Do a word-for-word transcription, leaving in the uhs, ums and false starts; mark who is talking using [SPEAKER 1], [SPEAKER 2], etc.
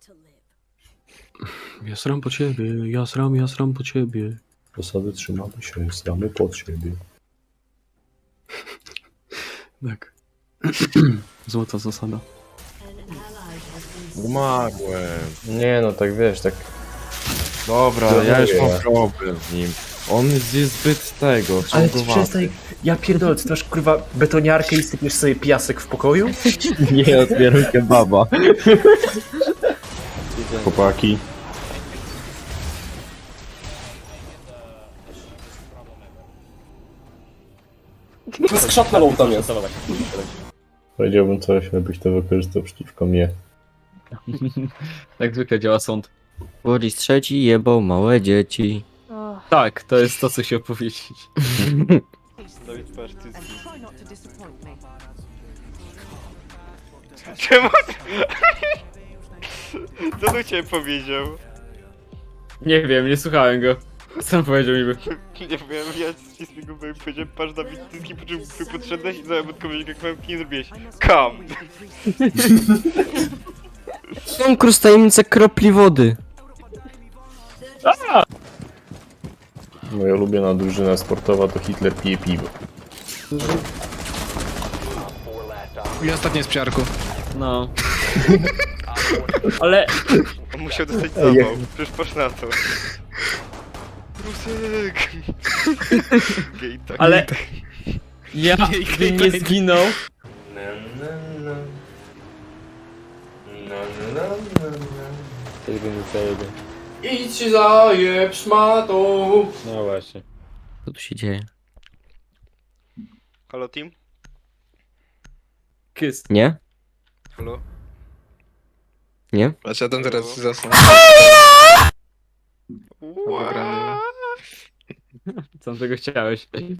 [SPEAKER 1] Ja sram po ciebie, ja sram, ja sram po ciebie.
[SPEAKER 2] Zasady trzymamy się, sramy pod siebie.
[SPEAKER 1] Tak. Złota zasada.
[SPEAKER 3] Umarłem.
[SPEAKER 2] Nie no, tak wiesz, tak...
[SPEAKER 3] Dobra,
[SPEAKER 2] Dobra,
[SPEAKER 3] ja już
[SPEAKER 2] ja.
[SPEAKER 3] mam problem z nim. On jest zbyt tego,
[SPEAKER 2] Ale ty
[SPEAKER 3] ciągowaty.
[SPEAKER 2] przestań... Ja pierdolę, ty masz kurwa betoniarkę i sypiesz sobie piasek w pokoju?
[SPEAKER 3] Nie otwieram kebaba.
[SPEAKER 2] Chłopaki.
[SPEAKER 4] Skrzat na low tam jest.
[SPEAKER 2] Powiedziałbym coś, żebyś to wykorzystał przeciwko mnie.
[SPEAKER 1] Jak zwykle działa sąd.
[SPEAKER 5] Boris trzeci jebał małe dzieci.
[SPEAKER 1] Tak, to jest to, co się opowiedzieć.
[SPEAKER 6] Czemu? Co tu cię powiedział?
[SPEAKER 1] Nie wiem, nie słuchałem go. Co on powiedział niby?
[SPEAKER 6] Nie wiem, ja ci z niego byłem powiedziałem, patrz na wizytki, po czym ty podszedłeś i zamiast odpowiedzieć jak mam nie zrobiłeś. Come!
[SPEAKER 5] Konkurs tajemnica kropli wody.
[SPEAKER 2] Moja ulubiona drużyna sportowa to Hitler pije piwo.
[SPEAKER 7] I ostatnie jest przy arku.
[SPEAKER 1] No. Ale...
[SPEAKER 6] On musiał dostać zawał, przecież patrz na to. Rusek! Gej tak.
[SPEAKER 1] Ale... Ja bym nie zginął.
[SPEAKER 4] Idź zajeb szmatą.
[SPEAKER 3] No właśnie.
[SPEAKER 5] Co tu się dzieje?
[SPEAKER 6] Halo team?
[SPEAKER 1] Kiss.
[SPEAKER 5] Nie?
[SPEAKER 6] Halo?
[SPEAKER 5] Nie?
[SPEAKER 7] Patrz, ja tam teraz zasnę.
[SPEAKER 6] Wow.
[SPEAKER 1] Co tego chciałeś?